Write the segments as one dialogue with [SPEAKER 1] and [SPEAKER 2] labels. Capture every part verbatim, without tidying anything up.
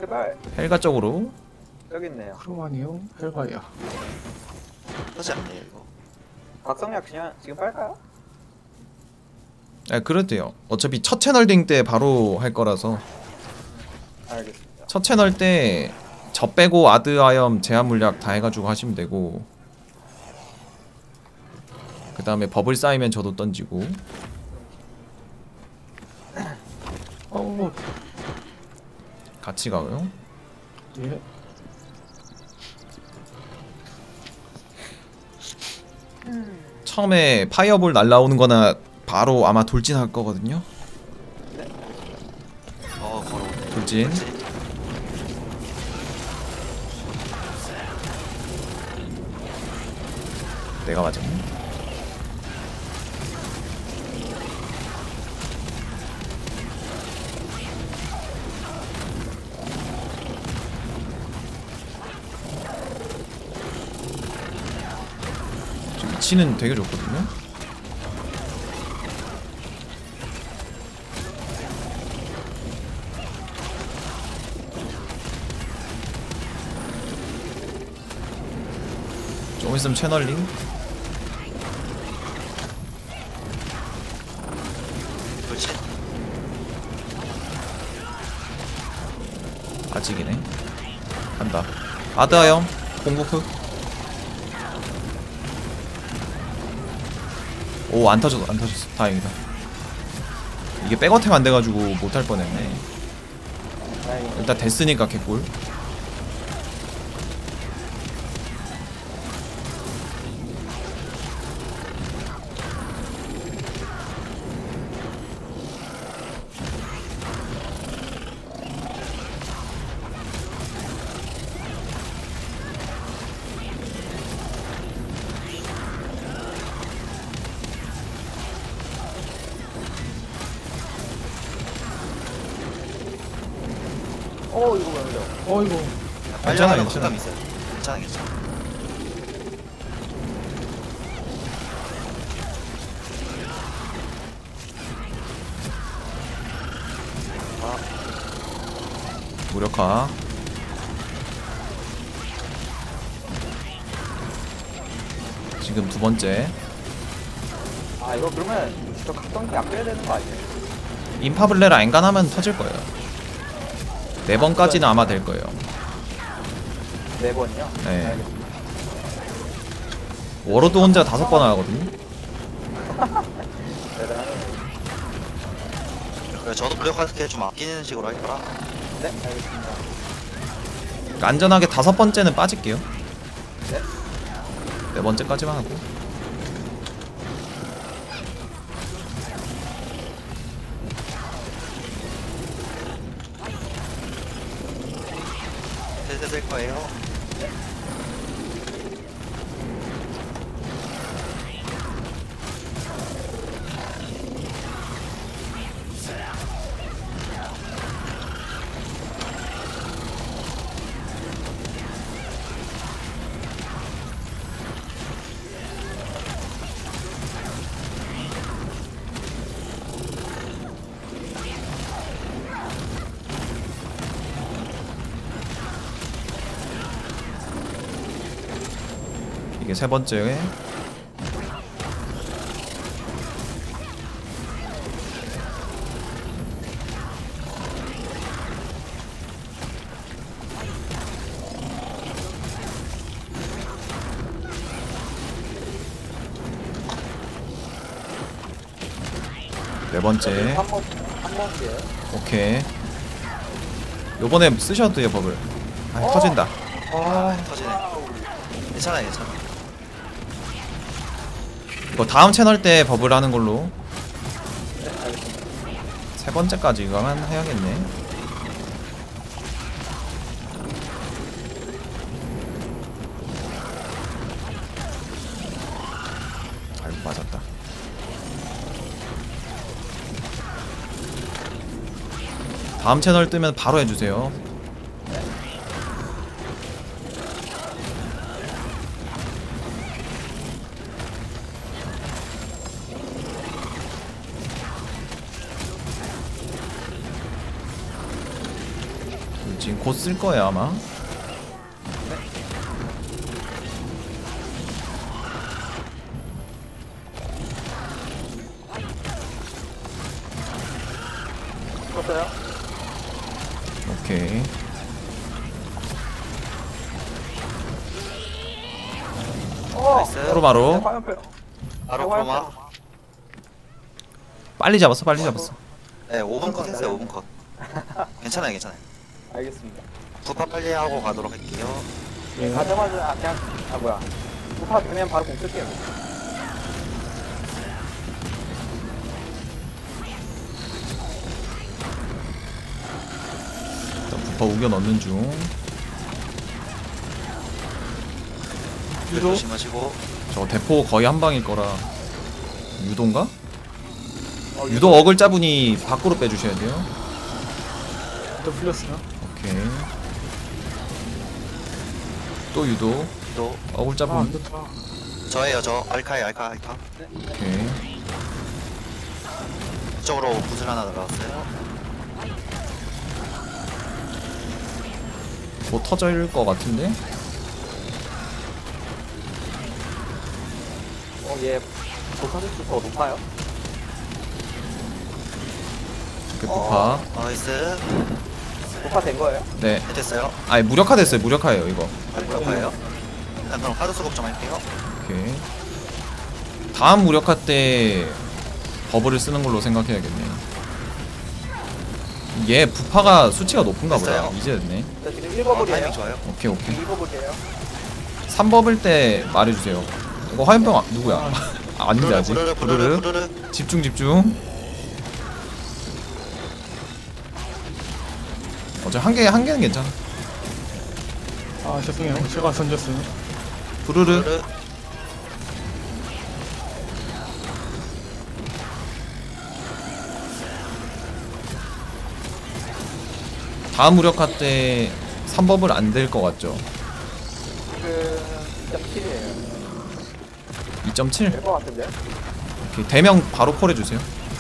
[SPEAKER 1] 제발.
[SPEAKER 2] 헬가 쪽으로.
[SPEAKER 1] 여기 있네요.
[SPEAKER 3] 크로마니오 헬가이아.
[SPEAKER 4] 하지 않네요 이거.
[SPEAKER 1] 박성약 그냥 지금 빨까요?
[SPEAKER 2] 아 그래도 돼요. 어차피 첫 채널링 때 바로 할 거라서.
[SPEAKER 1] 알겠습니다.
[SPEAKER 2] 첫 채널 때 저 빼고 아드아염 제한 물약 다 해가지고 하시면 되고, 그 다음에 버블 쌓이면 저도 던지고.
[SPEAKER 3] 어,
[SPEAKER 2] 같이 가요.
[SPEAKER 3] 예.
[SPEAKER 2] 처음에 파이어볼 날라오는 거나 바로 아마 돌진할 거거든요.
[SPEAKER 4] 어 걸어오네.
[SPEAKER 2] 돌진.
[SPEAKER 4] 그렇지.
[SPEAKER 2] 내가 맞았네. 지금 위치는 되게 좋거든요. 좀 있으면 채널링.
[SPEAKER 4] 그렇지.
[SPEAKER 2] 아직이네. 간다. 아드아염 공부프. 오, 안 터졌어, 안 터졌어. 다행이다. 이게 백어택 안 돼가지고 못할 뻔했네.
[SPEAKER 1] 다행히.
[SPEAKER 2] 일단 됐으니까 개꿀.
[SPEAKER 1] 어 이거 왜 그래?
[SPEAKER 3] 어이구.
[SPEAKER 4] 빨리
[SPEAKER 2] 괜찮아,
[SPEAKER 4] 하려고
[SPEAKER 2] 괜찮아.
[SPEAKER 4] 생각 있어요. 괜찮아 괜찮아.
[SPEAKER 2] 무력화. 지금 두 번째.
[SPEAKER 1] 아 이거 그러면 저 각성기 안 빼야 되는 거 아니에요?
[SPEAKER 2] 인파블레라 엔간하면 터질 거예요. 네 번까지는 아마 될 거예요.
[SPEAKER 1] 네 번이요?
[SPEAKER 2] 네.
[SPEAKER 1] 알겠습니다.
[SPEAKER 2] 워로드 혼자 다섯 번 하거든요.
[SPEAKER 1] 대단하네요.
[SPEAKER 4] 그래 저도 무력화스킬 좀 아끼는 식으로 할 거라.
[SPEAKER 1] 네 알겠습니다.
[SPEAKER 2] 그러니까 안전하게 다섯 번째는 빠질게요.
[SPEAKER 1] 네.
[SPEAKER 2] 네 번째까지만 하고.
[SPEAKER 4] 슬슬 쓸 거예요.
[SPEAKER 2] 이게 세 번째. 네 번째.
[SPEAKER 1] 한번 한 번째.
[SPEAKER 2] 오케이. 요번에 쓰셔도 돼요, 버블. 아,
[SPEAKER 1] 어.
[SPEAKER 2] 터진다.
[SPEAKER 1] 아
[SPEAKER 4] 터지네. 괜찮아 괜찮아.
[SPEAKER 2] 이거 다음 채널 때 버블 하는 걸로.
[SPEAKER 1] 네 알겠습니다.
[SPEAKER 2] 세 번째까지 이거만 해야겠네. 아이고, 맞았다. 다음 채널 뜨면 바로 해주세요. 돌진. 지금 곧 쓸 거예요 아마.
[SPEAKER 1] 썼어요?
[SPEAKER 2] 오케이.
[SPEAKER 1] 어!
[SPEAKER 4] 나이스.
[SPEAKER 2] 프로바로
[SPEAKER 1] 화염표.
[SPEAKER 4] 바로 크로마.
[SPEAKER 2] 빨리 잡았어 빨리 잡았어.
[SPEAKER 4] 네, 오 분 컷 했어요. 오 분 컷. 괜찮아요, 괜찮아요.
[SPEAKER 1] 알겠습니다.
[SPEAKER 4] 부파 빨리 하고 가도록 할게요.
[SPEAKER 3] 예.
[SPEAKER 1] 가자마자 아, 그냥 아 뭐야. 부파 되면 바로 공 쓸게요.
[SPEAKER 2] 일단 부파 우겨 넣는 중.
[SPEAKER 4] 유도 조심하시고.
[SPEAKER 2] 저 대포 거의 한 방일 거라. 유도인가?
[SPEAKER 1] 어,
[SPEAKER 2] 유도 어글 짜분이 밖으로 빼주셔야 돼요.
[SPEAKER 3] 또 풀렸어요.
[SPEAKER 2] 오케이. 또 유도
[SPEAKER 4] 유도.
[SPEAKER 2] 어글
[SPEAKER 3] 아,
[SPEAKER 2] 짜분.
[SPEAKER 3] 안 좋다.
[SPEAKER 4] 저예요, 저. 알카이, 알카, 알카.
[SPEAKER 2] 오케이.
[SPEAKER 4] 이쪽으로 구슬 하나 날라왔어요.
[SPEAKER 2] 뭐 터질 것 같은데?
[SPEAKER 1] 어, 얘 도사지수 더 높아요?
[SPEAKER 2] 이렇게 부파.
[SPEAKER 4] 나이스.
[SPEAKER 1] 부파 된 거예요?
[SPEAKER 2] 네.
[SPEAKER 4] 네, 됐어요.
[SPEAKER 2] 아니 무력화 됐어요. 무력화예요 이거.
[SPEAKER 4] 알카예요. 일단 그럼 카드 수급 좀 할게요.
[SPEAKER 2] 오케이. 다음 무력화 때 버블을 쓰는 걸로 생각해야겠네. 얘 부파가 수치가 높은가 보다.
[SPEAKER 4] 됐어요.
[SPEAKER 2] 이제 됐네.
[SPEAKER 1] 저 지금
[SPEAKER 4] 어,
[SPEAKER 1] 일 버블이에요.
[SPEAKER 4] 타이밍 좋아요.
[SPEAKER 2] 오케이 오케이.
[SPEAKER 1] 이 버블이에요.
[SPEAKER 2] 삼 버블 때 말해주세요. 이거 화염병 아, 누구야? 아, 아닌데 아직.
[SPEAKER 4] 부르르, 부르르,
[SPEAKER 2] 부르르.
[SPEAKER 4] 부르르.
[SPEAKER 2] 집중 집중. 어차피 한 개, 한 개는 괜찮아.
[SPEAKER 3] 아, 죄송해요. 제가 던졌어요.
[SPEAKER 2] 부르르.
[SPEAKER 4] 부르르.
[SPEAKER 2] 다음 무력화 때 삼 버블 안 될 것 같죠?
[SPEAKER 1] 그 이 점 칠이에요.
[SPEAKER 2] 이 점 칠.
[SPEAKER 1] 될 것 같은데?
[SPEAKER 2] 오케이. 대명 바로 콜해주세요.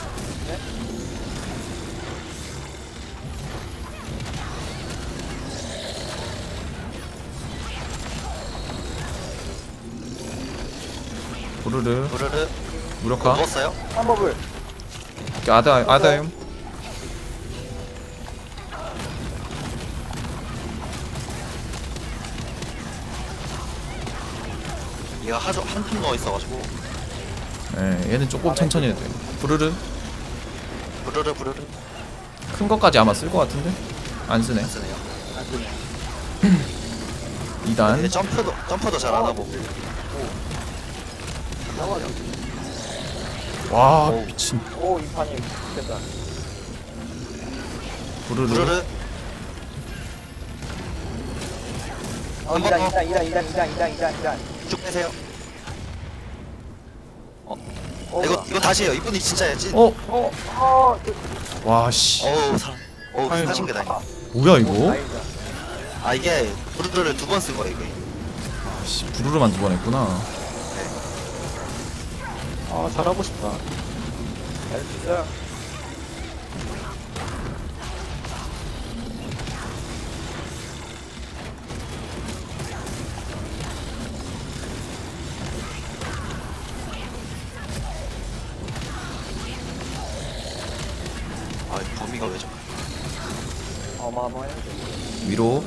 [SPEAKER 2] 부르르.
[SPEAKER 4] 부르르.
[SPEAKER 2] 무력화.
[SPEAKER 4] 누웠어요?
[SPEAKER 1] 삼 버블.
[SPEAKER 2] 오케이, 아다, 아다임.
[SPEAKER 4] 얘가 하죠 한팀 넣어 있어가지고.
[SPEAKER 2] 예, 얘는 조금 천천히 해도 돼요. 부르르.
[SPEAKER 4] 부르르 부르르.
[SPEAKER 2] 큰 것까지 아마 쓸 것 같은데? 안 쓰네.
[SPEAKER 4] 안 쓰네요.
[SPEAKER 1] 안 쓰네.
[SPEAKER 2] 이 단.
[SPEAKER 4] 얘 점프도 점프도 잘 안 하고.
[SPEAKER 2] 와,
[SPEAKER 4] 오.
[SPEAKER 2] 미친.
[SPEAKER 1] 오, 이 판이 됐다.
[SPEAKER 2] 부르르.
[SPEAKER 4] 부르르.
[SPEAKER 1] 어, 이단, 이단, 이단, 이단, 이단, 이단, 이단, 이단.
[SPEAKER 4] 쭉 빼세요.
[SPEAKER 1] 어,
[SPEAKER 4] 이거
[SPEAKER 1] 뭐야.
[SPEAKER 4] 이거 다시 해요. 이분이 진짜예요. 찐.
[SPEAKER 2] 어?
[SPEAKER 1] 어, 어, 그,
[SPEAKER 2] 와, 씨.
[SPEAKER 4] 어우 사람. 어우
[SPEAKER 3] 아이고.
[SPEAKER 4] 사신 게 다행이다.
[SPEAKER 2] 뭐야, 이거?
[SPEAKER 1] 다행이다.
[SPEAKER 4] 아 이게 부르르를 두 번 쓴 거예요 이게.
[SPEAKER 2] 씨, 부르르만 두 번 했구나.
[SPEAKER 3] 아, 잘하고 싶다.
[SPEAKER 1] 잘수 있어요.
[SPEAKER 4] 아 범위가 왜 저래?
[SPEAKER 1] 어마어마해.
[SPEAKER 2] 위로.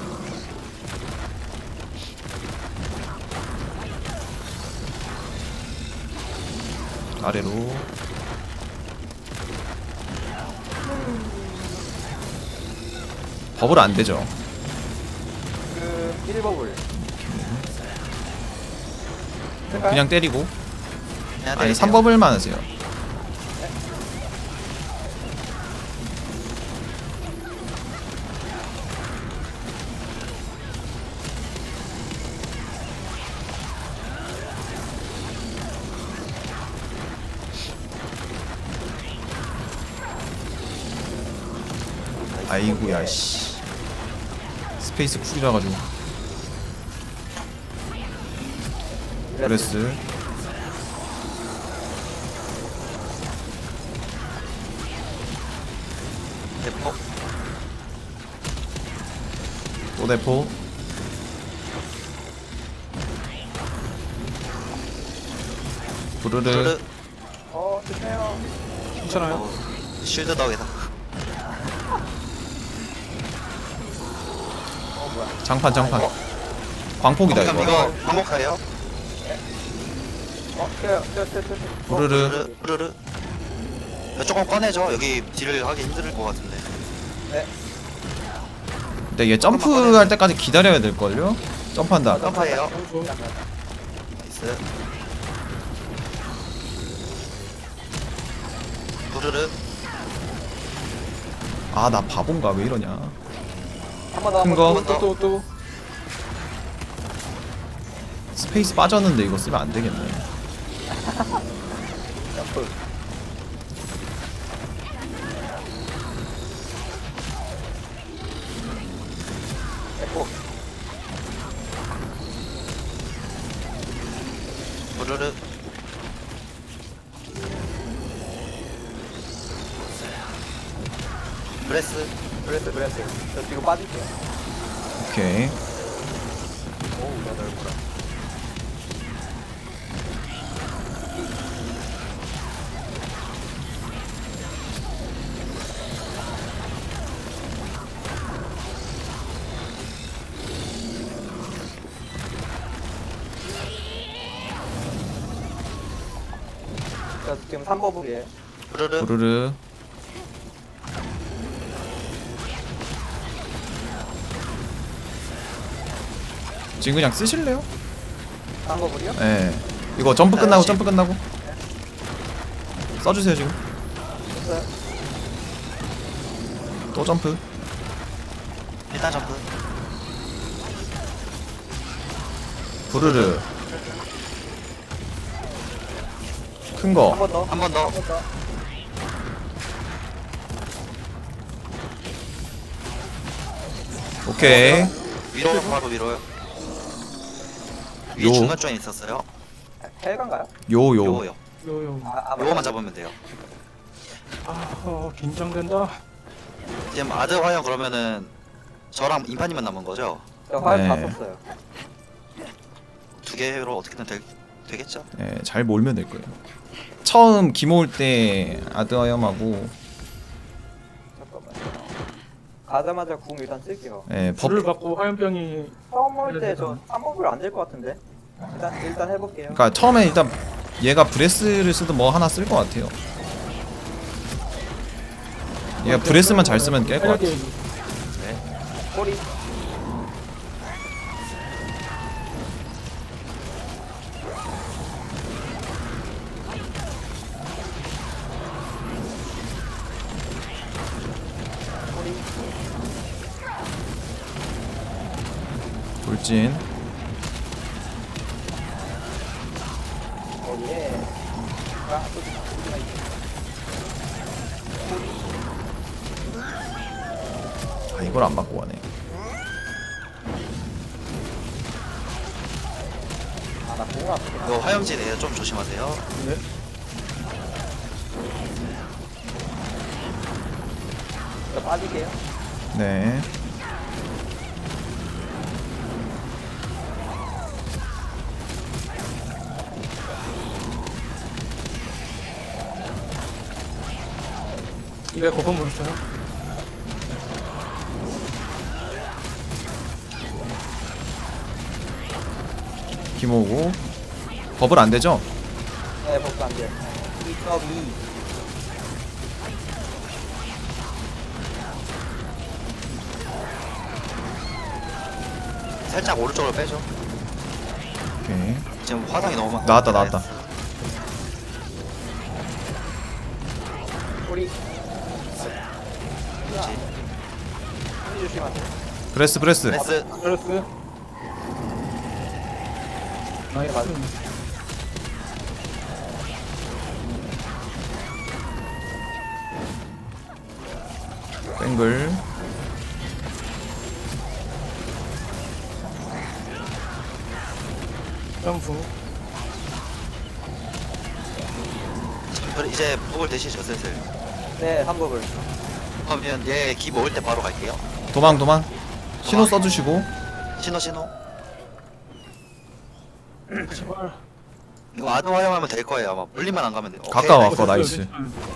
[SPEAKER 2] 아래로. 버블 안 되죠.
[SPEAKER 1] 그, 일 버블.
[SPEAKER 2] 그냥 때리고.
[SPEAKER 4] 그냥
[SPEAKER 2] 아니,
[SPEAKER 4] 때리세요.
[SPEAKER 2] 삼 버블만 하세요. 아이고야, 씨. 스페이스 쿨이라 가지고. 브레스.
[SPEAKER 4] 대포.
[SPEAKER 2] 또 대포. 부르르.
[SPEAKER 4] 부르르.
[SPEAKER 1] 어 좋네요.
[SPEAKER 3] 괜찮아요?
[SPEAKER 4] 어, 쉴드 덕이다.
[SPEAKER 1] 어 뭐야?
[SPEAKER 2] 장판 장판. 광폭이다
[SPEAKER 4] 그럼
[SPEAKER 2] 이거.
[SPEAKER 4] 이거 반복하예요.
[SPEAKER 1] 어 떼요 떼요 떼요 떼요.
[SPEAKER 2] 부르르.
[SPEAKER 4] 부르르 부르르. 이거 조금 꺼내줘. 여기 딜을 하기 힘들 것 같은데.
[SPEAKER 1] 네.
[SPEAKER 2] 근데 얘 점프할 때까지 기다려야 될걸요? 점프한다.
[SPEAKER 4] 점프해요.
[SPEAKER 3] 점프.
[SPEAKER 4] 나이스. 부르르.
[SPEAKER 2] 아 나 바본가 왜 이러냐.
[SPEAKER 1] 한 번 더.
[SPEAKER 2] 큰
[SPEAKER 1] 한
[SPEAKER 2] 거.
[SPEAKER 1] 번 더.
[SPEAKER 3] 또 또 또.
[SPEAKER 2] 스페이스 빠졌는데 이거 쓰면 안 되겠네.
[SPEAKER 1] 점프. 에코.
[SPEAKER 4] 부르르. 브레스.
[SPEAKER 1] 브레스 브레스. 저 뒤로 빠질게요.
[SPEAKER 2] 오케이.
[SPEAKER 1] 오우 나 넓구나. 자 지금 삼 버블이에요.
[SPEAKER 4] 부르르.
[SPEAKER 2] 부르르. 지금 그냥 쓰실래요?
[SPEAKER 1] 삼 버블이요?
[SPEAKER 2] 예. 이거 점프 끝나고 점프 끝나고 써주세요 지금.
[SPEAKER 1] 됐어요.
[SPEAKER 2] 또 점프.
[SPEAKER 4] 일단 점프.
[SPEAKER 2] 부르르. 큰 거.
[SPEAKER 1] 한 번 더.
[SPEAKER 4] 한 번 더.
[SPEAKER 1] 한 번 더.
[SPEAKER 2] 오케이.
[SPEAKER 4] 위로 바로 위로요. 위에
[SPEAKER 2] 요.
[SPEAKER 4] 중간 조인 있었어요.
[SPEAKER 1] 헬간가요?
[SPEAKER 2] 요요.
[SPEAKER 4] 요요.
[SPEAKER 3] 요요.
[SPEAKER 1] 아, 아
[SPEAKER 4] 요거만 잡으면 돼요.
[SPEAKER 3] 아 어, 긴장된다.
[SPEAKER 4] 지금 아드 화형 그러면은 저랑 인파님만 남은 거죠?
[SPEAKER 1] 저 화염 다
[SPEAKER 2] 네.
[SPEAKER 1] 썼어요.
[SPEAKER 4] 두 개로 어떻게든 되, 되겠죠?
[SPEAKER 2] 예, 잘 몰면 될 거예요. 처음 기모 올 때 아드아염하고
[SPEAKER 1] 잠깐만요. 가자마자 궁 일단 쓸게요.
[SPEAKER 2] 예, 법
[SPEAKER 3] 불을 받고 화염병이
[SPEAKER 1] 처음 올 때 저 삼 버블 안 될 것 같은데. 일단 일단 해볼게요.
[SPEAKER 2] 그러니까 처음에 일단 얘가 브레스를 쓰든 뭐 하나 쓸 것 같아요. 얘가 브레스만 잘 쓰면 깰 것 같아.
[SPEAKER 3] 활력이
[SPEAKER 1] 꼬리. 꼬리.
[SPEAKER 2] 돌진.
[SPEAKER 1] 어 예. 아, 또 꼬리가 있네.
[SPEAKER 2] 아 이걸 안 맞고 가네.
[SPEAKER 1] 아나 궁 아프다.
[SPEAKER 4] 이거 화염지네요. 좀 조심하세요.
[SPEAKER 3] 네.
[SPEAKER 1] 저 빠질게요.
[SPEAKER 2] 네.
[SPEAKER 3] 이게 거품 몬스터요?
[SPEAKER 2] 기모 오고 버블 안 되죠?
[SPEAKER 1] 네, 복수 안 돼요. 이 점 이.
[SPEAKER 4] 살짝 오른쪽으로 빼죠.
[SPEAKER 2] 오케이.
[SPEAKER 4] 지금 화상이 너무 많
[SPEAKER 2] 나왔다 나왔다.
[SPEAKER 1] 꼬리. 꼬리 조심하세요.
[SPEAKER 2] 브레스 브레스.
[SPEAKER 4] 브레스.
[SPEAKER 3] 플러스. 나이스.
[SPEAKER 2] 뱅글.
[SPEAKER 3] 점프.
[SPEAKER 4] 그럼 이제 목을 대시죠 슬슬.
[SPEAKER 1] 네, 삼 버블.
[SPEAKER 4] 그러면 얘 기 모을 때 바로 갈게요.
[SPEAKER 2] 도망 도망. 신호 써주시고.
[SPEAKER 4] 신호 신호.
[SPEAKER 3] 제발.
[SPEAKER 4] 이거 아드 활용하면 될 거예요. 아마 물리만 안 가면 돼요. 오케이,
[SPEAKER 2] 가까워
[SPEAKER 4] 나이스.
[SPEAKER 2] 아까 나이스.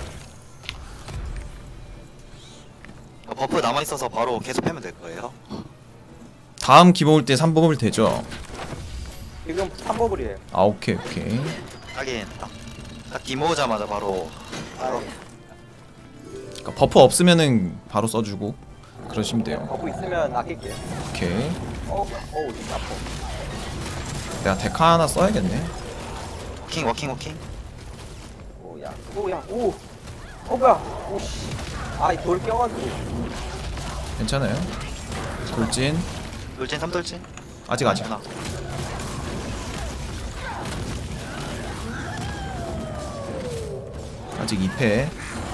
[SPEAKER 4] 어, 버프 남아 있어서 바로 계속 패면 될 거예요.
[SPEAKER 2] 다음 기 모을 때 삼 버블 되죠?
[SPEAKER 1] 지금 삼 버블이에요.
[SPEAKER 2] 아 오케이 오케이.
[SPEAKER 4] 하긴 딱, 딱 기모으자마자 바로 바로
[SPEAKER 2] 그러니까 버프 없으면은 바로 써주고 그러시면 돼요.
[SPEAKER 1] 버프 있으면 아낄게요.
[SPEAKER 2] 오케이.
[SPEAKER 1] 어, 어우, 아파.
[SPEAKER 2] 내가 데카 하나 써야겠네.
[SPEAKER 4] 워킹 워킹 워킹.
[SPEAKER 1] 오, 야, 오, 야, 오. 어, 뭐야. 오, 씨. 아, 이 돌 껴가지고.
[SPEAKER 2] 괜찮아요. 돌진.
[SPEAKER 4] 돌진 삼돌진.
[SPEAKER 2] 아직 아직.
[SPEAKER 4] 하나.
[SPEAKER 2] 아직 이 패.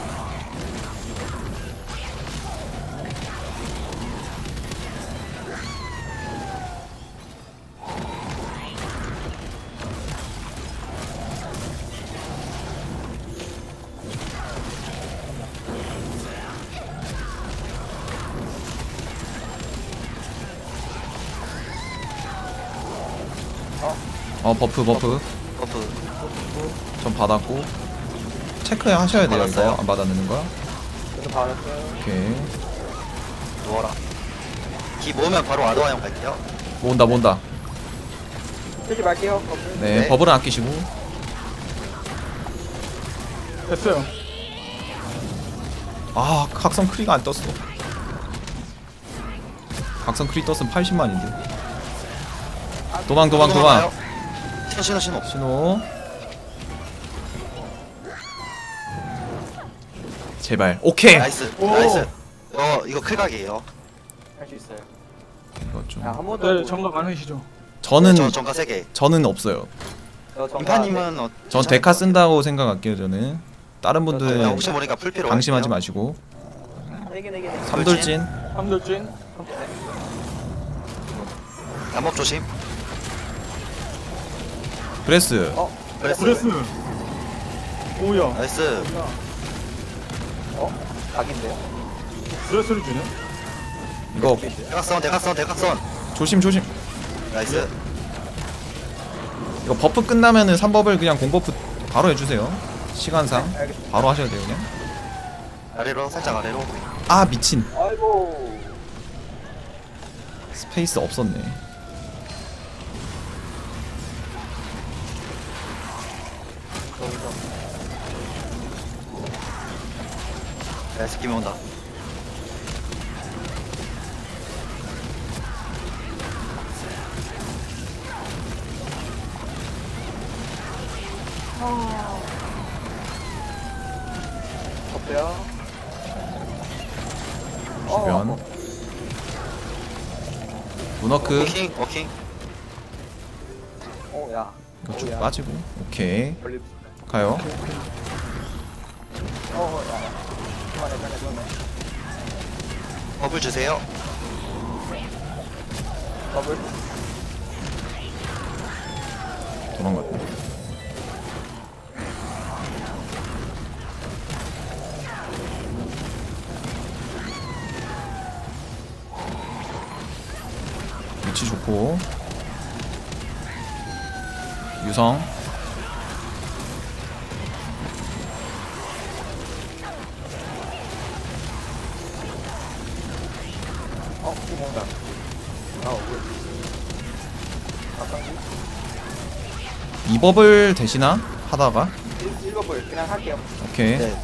[SPEAKER 2] 어 버프 버프
[SPEAKER 4] 버프.
[SPEAKER 2] 전 받았고 체크 하셔야 돼요.
[SPEAKER 4] 받았어요?
[SPEAKER 2] 이거 안 받았는 거야?
[SPEAKER 1] 그래서 받았어요.
[SPEAKER 2] 오케이.
[SPEAKER 4] 누워라. 기 모으면 바로 아드 활용 갈게요.
[SPEAKER 2] 모은다 모은다.
[SPEAKER 1] 쓰지 말게요. 버프.
[SPEAKER 2] 네,
[SPEAKER 4] 네.
[SPEAKER 2] 버블은 아끼시고.
[SPEAKER 3] 됐어요.
[SPEAKER 2] 아 각성 크리가 안 떴어. 각성 크리 떴으면 팔십만인데. 도망 도망 도망.
[SPEAKER 4] 신호 신호 신호.
[SPEAKER 2] 신호. 제발. 오케이.
[SPEAKER 4] 나이스
[SPEAKER 3] 오.
[SPEAKER 4] 나이스. 어 이거 클각이에요.
[SPEAKER 1] 할 수 있어요.
[SPEAKER 2] 이거 좀.
[SPEAKER 1] 야, 한 번 더.
[SPEAKER 3] 네, 정답 많으시죠.
[SPEAKER 2] 저는
[SPEAKER 4] 저 전가 세 개.
[SPEAKER 2] 저는 없어요.
[SPEAKER 1] 저 정말-
[SPEAKER 4] 인파님은 어,
[SPEAKER 2] 전
[SPEAKER 4] 괜찮을
[SPEAKER 2] 데카
[SPEAKER 4] 것
[SPEAKER 2] 쓴다고 생각할게요. 저는 다른
[SPEAKER 4] 같아요.
[SPEAKER 2] 분들은
[SPEAKER 4] 혹시 모르니까 풀피로.
[SPEAKER 2] 방심하지
[SPEAKER 4] 할게요.
[SPEAKER 2] 마시고.
[SPEAKER 1] 네개 네개 네 개.
[SPEAKER 2] 삼돌진.
[SPEAKER 3] 삼돌진.
[SPEAKER 4] 잠복 조심.
[SPEAKER 2] 브레스.
[SPEAKER 1] 어,
[SPEAKER 4] 브레스.
[SPEAKER 3] 브레스. 오야.
[SPEAKER 4] 나이스.
[SPEAKER 1] 어? 각인데요?
[SPEAKER 3] 브레스를 주네.
[SPEAKER 2] 이거
[SPEAKER 4] 대각선 대각선 대각선.
[SPEAKER 2] 조심 조심.
[SPEAKER 4] 나이스.
[SPEAKER 2] 이거 버프 끝나면은 삼 버블 그냥 공버프 바로 해주세요. 시간상
[SPEAKER 1] 알겠습니다.
[SPEAKER 2] 바로 하셔야 돼요 그냥.
[SPEAKER 4] 아래로 살짝 아래로.
[SPEAKER 2] 아 미친.
[SPEAKER 1] 아이고.
[SPEAKER 2] 스페이스 없었네.
[SPEAKER 1] 거기서.
[SPEAKER 4] 나이스 기면 온다.
[SPEAKER 1] 버프요.
[SPEAKER 2] 주변.
[SPEAKER 1] 어,
[SPEAKER 2] 문워크.
[SPEAKER 4] 워킹 워킹.
[SPEAKER 1] 어, 야.
[SPEAKER 2] 이거 쭉
[SPEAKER 1] 어, 야.
[SPEAKER 2] 빠지고. 오케이.
[SPEAKER 1] 걸리.
[SPEAKER 2] 가요.
[SPEAKER 1] 어, 야. 그만해, 그만해, 그만해.
[SPEAKER 4] 버블 주세요.
[SPEAKER 1] 버블.
[SPEAKER 2] 도망갔다. 위치 좋고. 유성.
[SPEAKER 1] 어, 이 뭔가. 아, 왜? 아까
[SPEAKER 2] 이 버블 되시나? 하다가.
[SPEAKER 1] 일 버블 그냥 할게요.
[SPEAKER 2] 오케이.
[SPEAKER 4] 네.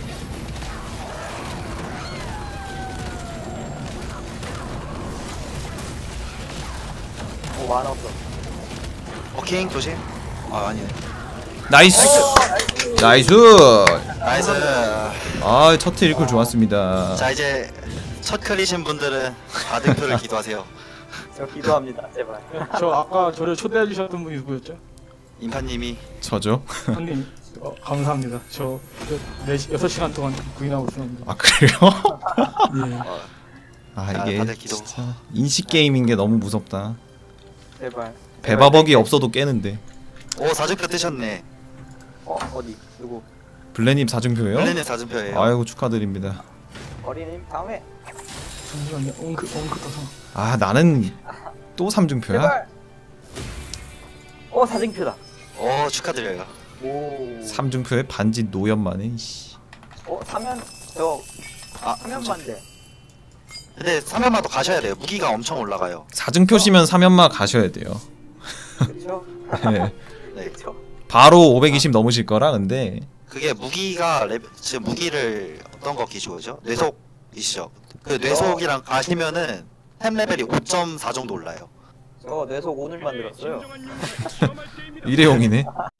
[SPEAKER 1] 오, 만화 없어.
[SPEAKER 4] 워킹 조심. 아 아니네.
[SPEAKER 2] 나이스. 나이스.
[SPEAKER 4] 나이스.
[SPEAKER 2] 아, 첫 트리클 좋았습니다.
[SPEAKER 4] 자 이제 첫 클리신 분들은 아등표를 기도하세요.
[SPEAKER 1] 저 기도합니다, 제발.
[SPEAKER 3] 저 아까 저를 초대해 주셨던 분이 누구였죠?
[SPEAKER 4] 인파님이
[SPEAKER 2] 저죠?
[SPEAKER 3] 형님. 어, 감사합니다. 저 네 시 여섯 시간 동안 구인하고 있었는데.
[SPEAKER 2] 아, 그래요?
[SPEAKER 3] 예.
[SPEAKER 2] 아,
[SPEAKER 4] 아,
[SPEAKER 2] 이게
[SPEAKER 4] 다들 기도.
[SPEAKER 2] 진짜 인식 게임인 게 너무 무섭다.
[SPEAKER 1] 제발.
[SPEAKER 2] 배바벅이 없어도 깨는데.
[SPEAKER 4] 오 사주표 뜨셨네.
[SPEAKER 1] 어, 어디? 누구?
[SPEAKER 2] 블레님 사증표예요?
[SPEAKER 4] 블레님 사주표예요.
[SPEAKER 2] 아이고 축하드립니다.
[SPEAKER 1] 어린이님 다음에.
[SPEAKER 3] 잠시만요. 엉크 엉크 떠서.
[SPEAKER 2] 아 나는 또 삼중표야?
[SPEAKER 1] 제발. 어 사진표다.
[SPEAKER 4] 어 축하드려요.
[SPEAKER 1] 오.
[SPEAKER 2] 삼중표에 반지 노연만에 이씨.
[SPEAKER 1] 어 사면 저
[SPEAKER 4] 아
[SPEAKER 1] 사면만데.
[SPEAKER 4] 근데 삼연마도 가셔야 돼요. 무기가 엄청 올라가요.
[SPEAKER 2] 사중표시면 삼연마 가셔야 돼요.
[SPEAKER 1] 그렇죠.
[SPEAKER 2] 네.
[SPEAKER 4] 네.
[SPEAKER 1] 그렇죠.
[SPEAKER 2] 바로 오백이십 넘으실 거라 근데
[SPEAKER 4] 그게 무기가 레, 지금 무기를 어떤 거 기준이죠? 뇌속이시죠? 그 뇌속이랑 가시면은 템 레벨이 오 점 사 정도 올라요.
[SPEAKER 1] 저 뇌속 오늘 만들었어요.
[SPEAKER 2] 일회용이네.